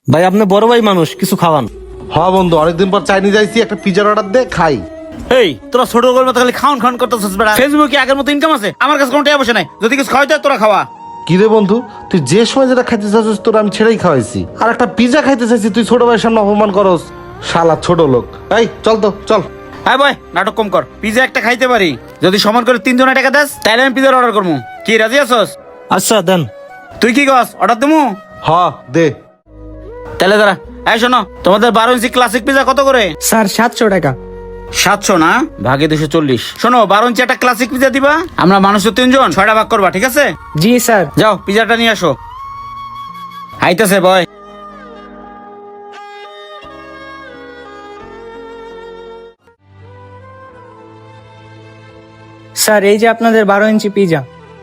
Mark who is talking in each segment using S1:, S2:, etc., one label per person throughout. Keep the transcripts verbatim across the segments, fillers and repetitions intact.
S1: ভাই আপনি বড় ভাই মানুষ, কিছু খাওয়ান।
S2: হ্যাঁ বন্ধু, অনেকদিন পর চাইনিজ আইছি, একটা পিজার অর্ডার দে খাই।
S3: এই তোরা ছোট গল্প মতো খালি খাওন খাওন করতেছিস বেড়া। ফেসবুকে আগের মতো ইনকাম আছে? আমার কাছে কোনো টাকা পয়সা নাই, যদি কিছু খাওয়াই তোরা খাওয়া।
S2: কি রে বন্ধু, তুই যে সময় যেটা খাইতে চাচ্ছিস তোর আমি ছেড়েই খাওয়াইছি, আর একটা পিজা খাইতে চাইছি তুই ছোট ভাইয়ের সামনে অপমান করস। শালা ছোট লোক। এই চল তো চল।
S3: হ্যাঁ ভাই, নাটক কম কর। পিজা একটা খাইতে পারি, যদি সমান করে তিন জনের টাকা দেস তাহলে আমি পিজার অর্ডার করবো। কি রাজি আছস?
S1: আচ্ছা দেন।
S3: তুই কি কস, অর্ডার দেবো?
S2: হ দে।
S3: তাহলে দাঁড়া। এই শোনো, তোমাদের বারো ইঞ্চি ক্লাসিক পিজা কত করে?
S4: স্যার সাতশো টাকা।
S3: সাতশো না, ভাগে দুশো চল্লিশ। শোনো, বারো ইঞ্চি একটা ক্লাসিক পিজা দিবা। আমরা মানুষ তো তিনজন, ছয়টা ভাগ করবা, ঠিক আছে?
S4: জি স্যার।
S3: যাও পিজাটা নিয়ে আসো। আইতাছে বয়।
S4: স্যার এই যে আপনাদের বারো ইঞ্চি পিজা।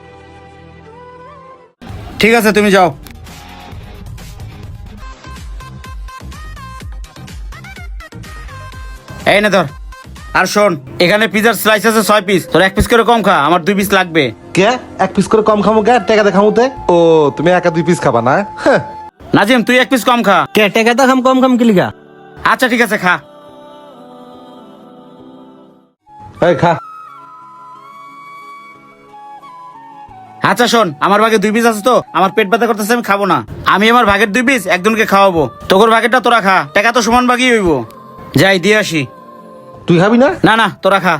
S3: ঠিক আছে, তুমি যাও। এই না ধর। আর শোন, এখানে পিজার স্লাইস আছে ছয় পিস, তোর এক পিস করে কম খা, আমার দুই পিস লাগবে।
S2: কে এক পিস করে কম খামো? কে টাকা দে খামুতে? ও তুমি একা দুই পিস খাবা না? হ্যাঁ।
S3: নাজিম তুই এক পিস কম খা।
S1: কে টাকা দা খাম কম খাম কি লিগা?
S3: আচ্ছা ঠিক আছে, খা।
S2: এই খা।
S3: আচ্ছা শোন, আমার ভাগে দুই পিস আছে তো, আমার পেট ব্যথা করতেছে, আমি খাবো না। আমি আমার ভাগের দুই পিস একজনকে খাওয়াবো, তোর ভাগেরটা তোরা খা। টাকা তো সমান ভাগই হইব। যাই দিয়ে আসি।
S2: তুই খাবি না?
S3: না না, তোরা খা।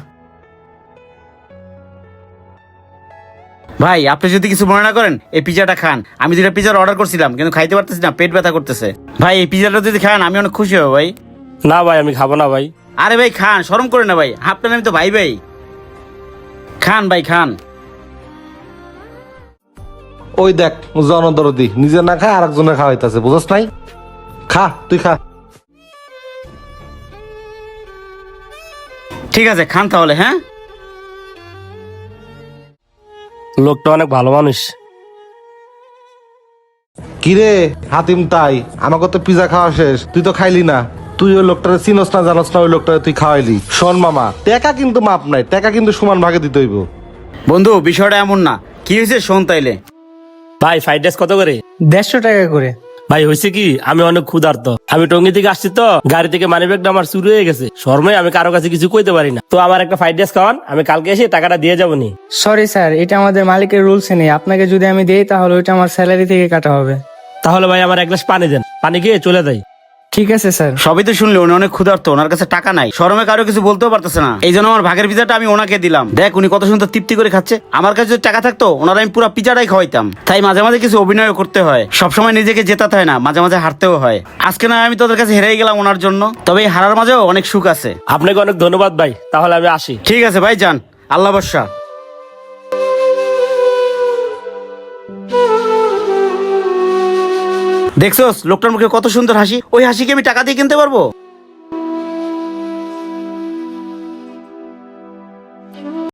S3: ভাই আপনি যদি কিছু মনে না করেন, এই পিজাটা খান। আমি দুটা পিজার অর্ডার করছিলাম কিন্তু খাইতে পারতেছি না, পেট ব্যথা করতেছে। ভাই এই পিজাটা যদি খান আমি অনেক খুশি হব ভাই।
S1: না ভাই আমি খাবো না ভাই।
S3: আরে ভাই খান, শরম করে না ভাই, আপনার আমি তো ভাই ভাই। খান ভাই খান।
S2: ওই দেখ জনদরদি, নিজে না খায় আরেকজনের খাওয়াইতাছে, বুঝছ নাই? খা তুই খা।
S3: ঠিক আছে খান তাহলে। হ্যাঁ,
S1: লোকটা অনেক ভালো মানুষ।
S2: কিরে হাতিম, তাই আমাকে তো পিজা খাওয়া শেষ, তুই তো খাইলি না। তুই ওই লোকটারে চিনস না জানস না, ওই লোকটারে তুই খাওয়াইলি। শোন মামা, টাকা কিন্তু মাপ নাই, টাকা কিন্তু সমান ভাগে দিতে হইব।
S3: বন্ধু বিষয়টা এমন না। কি হয়েছে শোন তাইলে।
S1: ভাই ফ্রাইড রাইস কত করে?
S4: দেড়শো টাকা করে।
S1: ভাই হয়েছে কি, আমি অনেক ক্ষুধার্ত। আমি টঙ্গি থেকে আসছি তো, গাড়ি থেকে মানি ব্যাগটা আমার চুরি হয়ে গেছে। শর্মে আমি কারো কাছে কিছু কইতে পারি না। তো আমার একটা ফ্রাইড রাইস খাওয়ান, আমি কালকে এসে টাকাটা দিয়ে যাবো নি।
S4: সরি স্যার, এটা আমাদের মালিকের রুলসে নেই। আপনাকে যদি আমি দেই তাহলে ওইটা আমার স্যালারি থেকে কাটা হবে।
S1: তাহলে ভাই আমার এক গ্লাস পানি দেন, পানি খেয়ে চলে যাই।
S4: ঠিক আছে স্যার।
S3: সবই তো শুনলে, উনি অনেক ক্ষুধার্ত, ওনার কাছে টাকা নাই, শরমে কারো কিছু বলতেও পারতেছে না। এই জন্য আমার ভাগের পিজাটা আমি ওনাকে দিলাম। দেখ উনি কত সুন্দর তৃপ্তি করে খাচ্ছে। আমার কাছে যদি টাকা থাকতো ওনারা আমি পুরো পিজাটাই খাওয়াইতাম। তাই মাঝে মাঝে কিছু অভিনয় করতে হয়, সবসময় নিজেকে জেতাতে হয় না, মাঝে মাঝে হারতেও হয়। আজকে না আমি তোদের কাছে হেরেই গেলাম ওনার জন্য, তবে এই হারার মাঝেও অনেক সুখ আছে।
S1: আপনাকে অনেক ধন্যবাদ ভাই, তাহলে আমি আসি।
S3: ঠিক আছে ভাই, যান। আল্লাহ বর্ষা। দেখছোস লোকটার মুখে কত সুন্দর হাসি, ওই হাসিকে আমি টাকা দিয়ে কিনতে পারবো?